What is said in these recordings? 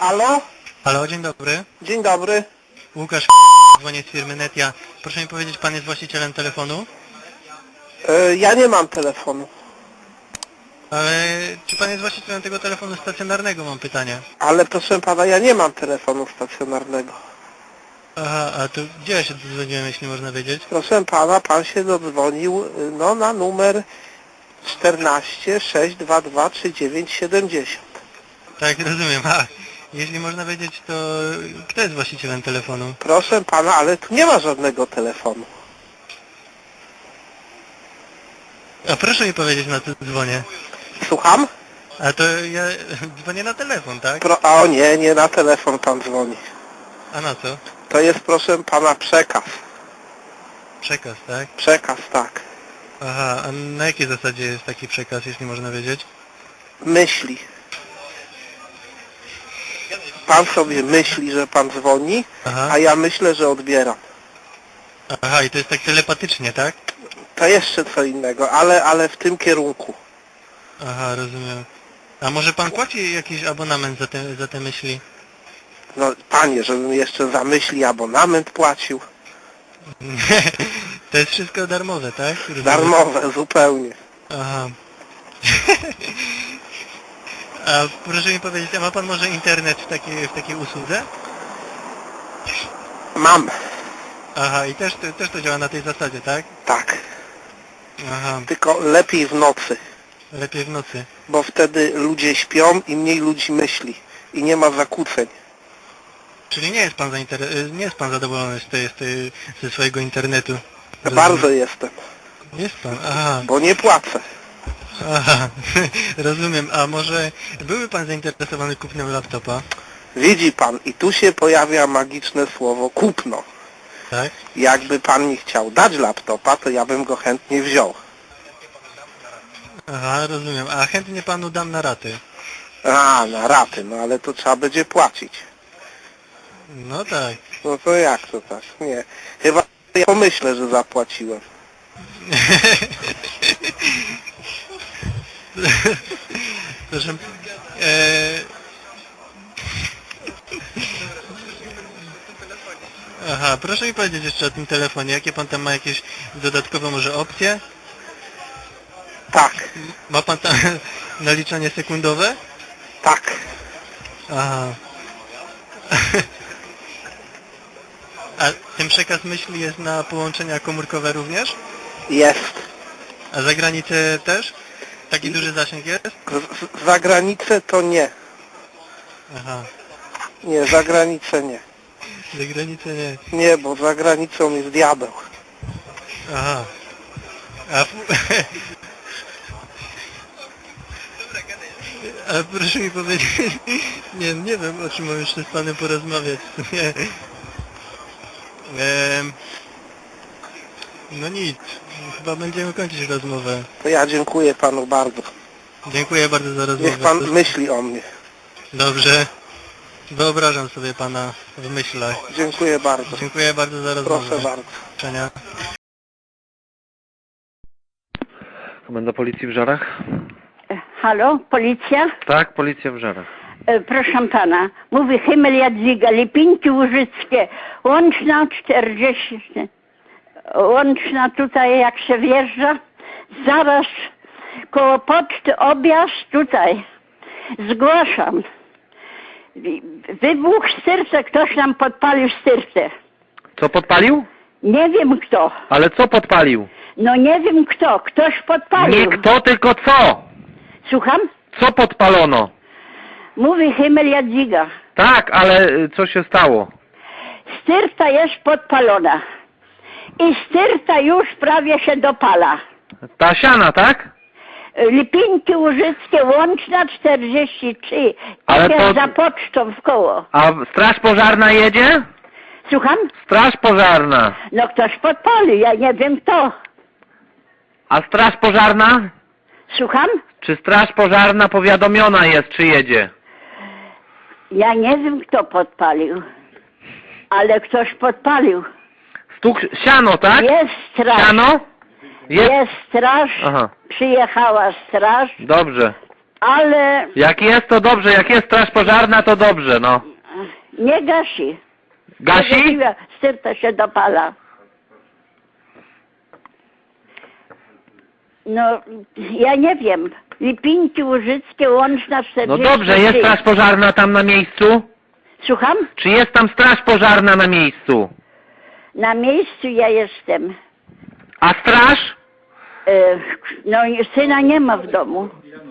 Halo? Halo, dzień dobry. Dzień dobry. Łukasz, dzwonię z firmy Netia. Proszę mi powiedzieć, pan jest właścicielem telefonu? Ja nie mam telefonu. Ale czy pan jest właścicielem tego telefonu stacjonarnego, mam pytanie. Ale proszę pana, ja nie mam telefonu stacjonarnego. Aha, a to gdzie ja się dodzwoniłem, jeśli można wiedzieć? Proszę pana, pan się dodzwonił no na numer 14 622 3970. Tak, rozumiem. A jeśli można wiedzieć, to kto jest właścicielem telefonu? Proszę pana, ale tu nie ma żadnego telefonu. A proszę mi powiedzieć, na co dzwonię. Słucham? A to ja dzwonię na telefon, tak? O nie, nie na telefon pan dzwoni. A na co? To jest proszę pana przekaz. Przekaz, tak? Przekaz, tak. Aha, a na jakiej zasadzie jest taki przekaz, jeśli można wiedzieć? Myśli. Pan sobie myśli, że pan dzwoni, Aha. a ja myślę, że odbieram. Aha, i to jest tak telepatycznie, tak? To jeszcze co innego, ale w tym kierunku. Aha, rozumiem. A może pan płaci jakiś abonament za te myśli? No panie, żebym jeszcze za myśli abonament płacił. To jest wszystko darmowe, tak? Rozumiem. Darmowe, zupełnie. Aha. A proszę mi powiedzieć, a ma pan może internet w takiej usłudze? Mam. Aha, i też to działa na tej zasadzie, tak? Tak. Aha, Tylko lepiej w nocy, lepiej w nocy. bo wtedy ludzie śpią i mniej ludzi myśli. I nie ma zakłóceń. Czyli nie jest pan nie jest pan zadowolony ze swojego internetu? Bardzo jestem, Jest pan, aha. bo nie płacę. Aha, rozumiem. A może byłby pan zainteresowany kupnem laptopa? Widzi pan, i tu się pojawia magiczne słowo kupno. Tak? Jakby pan mi chciał dać laptopa, to ja bym go chętnie wziął. Aha, rozumiem. A chętnie panu dam na raty. A, na raty, no ale to trzeba będzie płacić. No tak. No to jak to tak? Nie. Chyba ja pomyślę, że zapłaciłem. Proszę, Aha, proszę mi powiedzieć jeszcze o tym telefonie. Jakie pan tam ma jakieś dodatkowe może opcje? Tak, Ma pan tam naliczanie sekundowe? tak. Aha. A ten przekaz myśli jest na połączenia komórkowe również? Jest. A za granicę też? Taki duży zasięg jest? Za granicę to nie. Aha. Nie, za granicę nie. Za granicę nie. Nie, bo za granicą jest diabeł. Aha. A, a proszę mi powiedzieć, nie wiem, o czym mam jeszcze z panem porozmawiać. Nie. No nic, chyba będziemy kończyć rozmowę. To ja dziękuję panu bardzo. Dziękuję bardzo za rozmowę. Niech pan myśli o mnie. Dobrze. Wyobrażam sobie pana w myślach. Dziękuję bardzo. Dziękuję bardzo za rozmowę. Proszę bardzo. Do widzenia. Komenda Policji w Żarach? Halo, policja? Tak, Policja w Żarach. Proszę pana, mówi Himmel Jadwiga, Lipinki Łużyckie, łączna 40, łączna tutaj jak się wjeżdża, zaraz koło poczty objazd tutaj, zgłaszam. Wybuch w styrce, ktoś nam podpalił styrkę. Co podpalił? Nie wiem kto, Ale co podpalił? no nie wiem kto, ktoś podpalił. Nie kto, tylko co? Słucham? Co podpalono? Mówi Himmel Jadwiga. Tak, ale co się stało? Styrta jest podpalona i styrta już prawie się dopala. Ta siana, tak? Lipinki Łużyckie, łączna 43, Ale tak to- jak za pocztą w koło. A straż pożarna jedzie? Słucham? Straż pożarna. No ktoś podpalił, ja nie wiem kto. A straż pożarna? Słucham? Czy straż pożarna powiadomiona jest, czy jedzie? Ja nie wiem kto podpalił, ale ktoś podpalił. Stuk siano, tak? Jest straż, Siano? jest straż, Aha, przyjechała straż, dobrze. ale Jak jest, to dobrze. Jak jest straż pożarna, to dobrze, no. nie gasi. Gasi? Styrta się dopala. No, ja nie wiem. Lipinki Łużyckie, Łączna 40. No dobrze, jest straż pożarna tam na miejscu? Słucham? Czy jest tam straż pożarna na miejscu? Na miejscu ja jestem. A straż? No, syna nie ma w domu.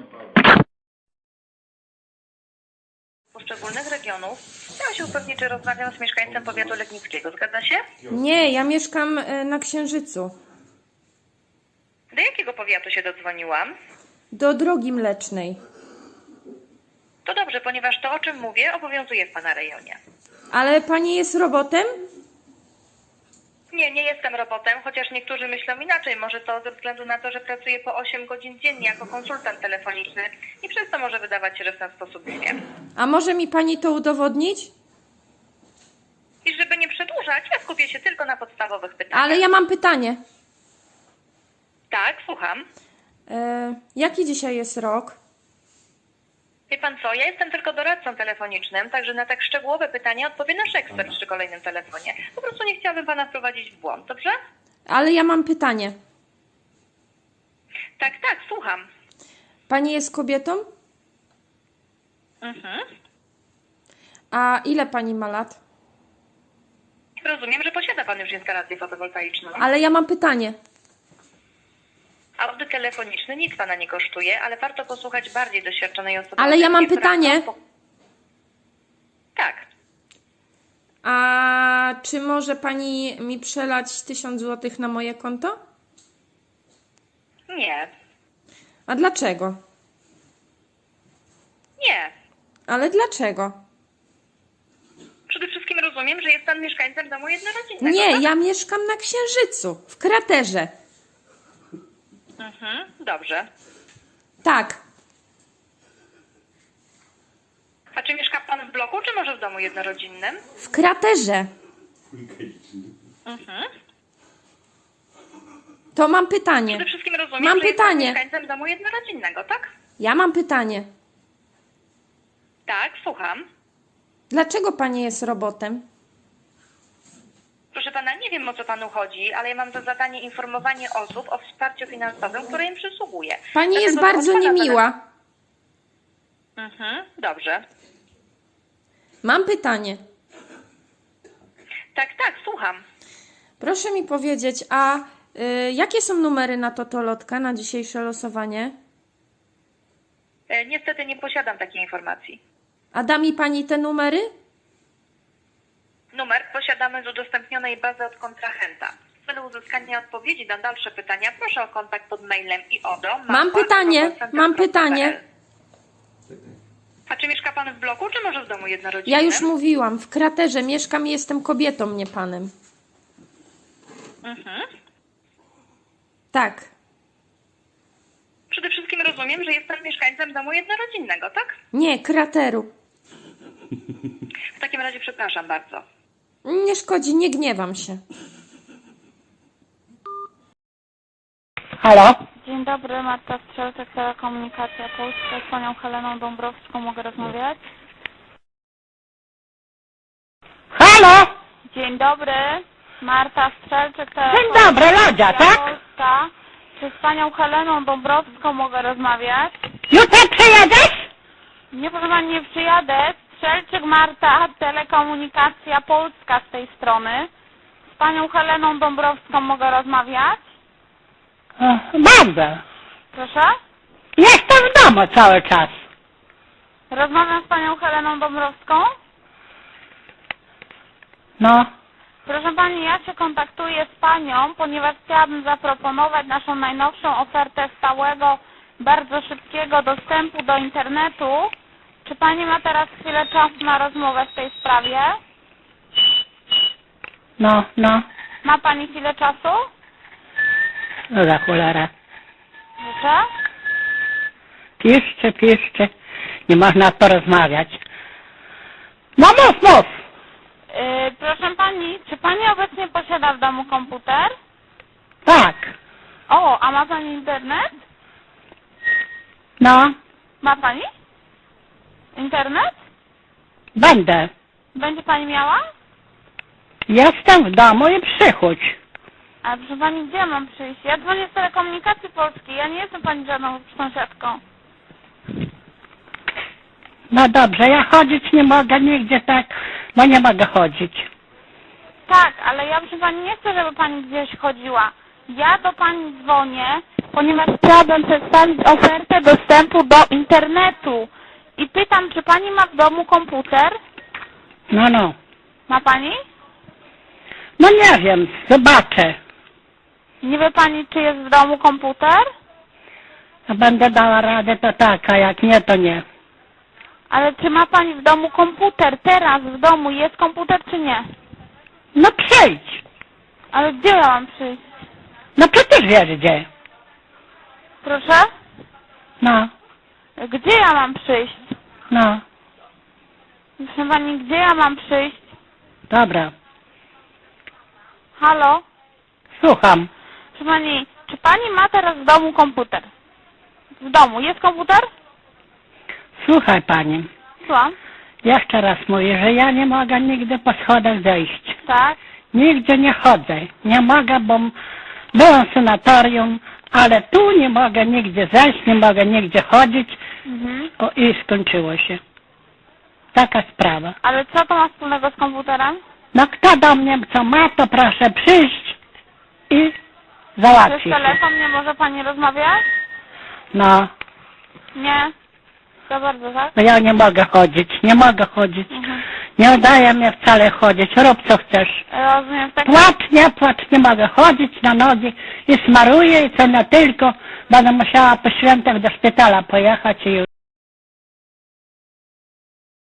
Poszczególnych regionów. Chciałam się upewnić, czy rozmawiam z mieszkańcem powiatu legnickiego. Zgadza się? Nie, ja mieszkam na Księżycu. Do jakiego powiatu się dodzwoniłam? Do Drogi Mlecznej. To dobrze, ponieważ to, o czym mówię, obowiązuje w Pana rejonie. Ale pani jest robotem? Nie, nie jestem robotem, chociaż niektórzy myślą inaczej. Może to ze względu na to, że pracuję po 8 godzin dziennie jako konsultant telefoniczny i przez to może wydawać się, że w ten sposób nie wiem. A może mi pani to udowodnić? I żeby nie przedłużać, ja skupię się tylko na podstawowych pytaniach. Ale ja mam pytanie. Tak, słucham. Jaki dzisiaj jest rok? Wie Pan co, ja jestem tylko doradcą telefonicznym, także na tak szczegółowe pytania odpowie nasz ekspert przy kolejnym telefonie. Po prostu nie chciałabym Pana wprowadzić w błąd, dobrze? Ale ja mam pytanie. Tak, tak, słucham. Pani jest kobietą? Mhm. A ile pani ma lat? Rozumiem, że posiada Pan już instalację fotowoltaiczną. Ale ja mam pytanie. Audyt telefoniczny nic Pana nie kosztuje, ale warto posłuchać bardziej doświadczonej osoby. Ale ja mam która- pytanie. Tak. A czy może pani mi przelać 1000 zł na moje konto? Nie. A dlaczego? Nie. Ale dlaczego? Przede wszystkim rozumiem, że jest Pan mieszkańcem domu jednorodzinnego. Nie, tak? ja mieszkam na Księżycu, w kraterze. Mhm, dobrze. Tak. A czy mieszka Pan w bloku, czy może w domu jednorodzinnym? W kraterze. Mhm. To mam pytanie. Przede wszystkim rozumiem, Mam że jest Pan pytanie. mieszkańcem domu jednorodzinnego, tak? Ja mam pytanie. Tak, słucham. Dlaczego pani jest robotem? Proszę Pana, nie wiem, o co Panu chodzi, ale ja mam za zadanie informowanie osób o wsparciu finansowym, które im przysługuje. Pani Dlatego jest to bardzo od pana niemiła. Mhm, dobrze. Mam pytanie. Tak, tak, słucham. Proszę mi powiedzieć, a jakie są numery na totolotka na dzisiejsze losowanie? Niestety nie posiadam takiej informacji. A da mi pani te numery? Numer posiadamy z udostępnionej bazy od kontrahenta. W celu uzyskania odpowiedzi na dalsze pytania proszę o kontakt pod mailem i ODO. Mam pytanie. A czy mieszka Pan w bloku, czy może w domu jednorodzinnym? Ja już mówiłam, w kraterze mieszkam i jestem kobietą, nie panem. Mhm. Tak. Przede wszystkim rozumiem, że jest Pan mieszkańcem domu jednorodzinnego, tak? Nie, krateru. W takim razie przepraszam bardzo. Nie szkodzi, nie gniewam się. Halo? Dzień dobry, Marta Strzelczyk, Telekomunikacja Polska. Z panią Heleną Dąbrowską mogę rozmawiać? Halo? Dzień dobry, Marta Strzelczyk, Dzień dobry, Lodzia, tak? Polska. Czy z panią Heleną Dąbrowską mogę rozmawiać? Jutro przyjedziesz? Nie, proszę pani, nie przyjadę. Strzelczyk Marta, Telekomunikacja Polska z tej strony. Z panią Heleną Dąbrowską mogę rozmawiać? Bardzo. Proszę? Jestem w domu cały czas. Rozmawiam z panią Heleną Dąbrowską? No. Proszę pani, ja się kontaktuję z panią, ponieważ chciałabym zaproponować naszą najnowszą ofertę stałego, bardzo szybkiego dostępu do internetu. Czy pani ma teraz chwilę czasu na rozmowę w tej sprawie? No. Ma pani chwilę czasu? No za cholera. Proszę? Piszcie. Nie można porozmawiać. No mów. Proszę pani, czy pani obecnie posiada w domu komputer? Tak. O, a ma pani internet? No. Ma pani? Internet? Będę. Będzie pani miała? Jestem w domu i przychodź. A proszę pani, gdzie mam przyjść? Ja dzwonię z Telekomunikacji Polskiej, ja nie jestem pani żadną sąsiadką. No dobrze, ja chodzić nie mogę nigdzie tak, bo nie mogę chodzić. Tak, ale ja proszę pani nie chcę, żeby pani gdzieś chodziła. Ja do pani dzwonię, ponieważ chciałabym przedstawić ofertę dostępu do internetu. I pytam, czy pani ma w domu komputer? No. Ma pani? No nie wiem, zobaczę. Nie wie pani, czy jest w domu komputer? No będę dała radę, to tak, a jak nie, to nie. Ale czy ma pani w domu komputer? Teraz w domu jest komputer, czy nie? No przyjdź. Ale gdzie ja mam przyjść? No przecież wiesz gdzie. Proszę? No. Gdzie ja mam przyjść? No. Proszę pani, gdzie ja mam przyjść? Dobra. Halo? Słucham. Proszę pani, czy pani ma teraz w domu komputer? W domu jest komputer? Słuchaj pani. Słucham. Jeszcze raz mówię, że ja nie mogę nigdy po schodach zejść. Tak. Nigdzie nie chodzę. Nie mogę, bo byłam w sanatorium, ale tu nie mogę nigdzie zejść, nie mogę nigdzie chodzić. O, i skończyło się. Taka sprawa. Ale co to ma wspólnego z komputerem? No kto do mnie co ma, to proszę przyjść i Przez załatwić. telefon nie może pani rozmawiać? No, Nie. To bardzo, tak? no ja nie mogę chodzić, nie mogę chodzić. Nie udaje mnie wcale chodzić, rób co chcesz. Rozumiem. Tak. Płacz, nie mogę chodzić na nogi i smaruję i co na tylko będę musiała po świętach do szpitala pojechać i już.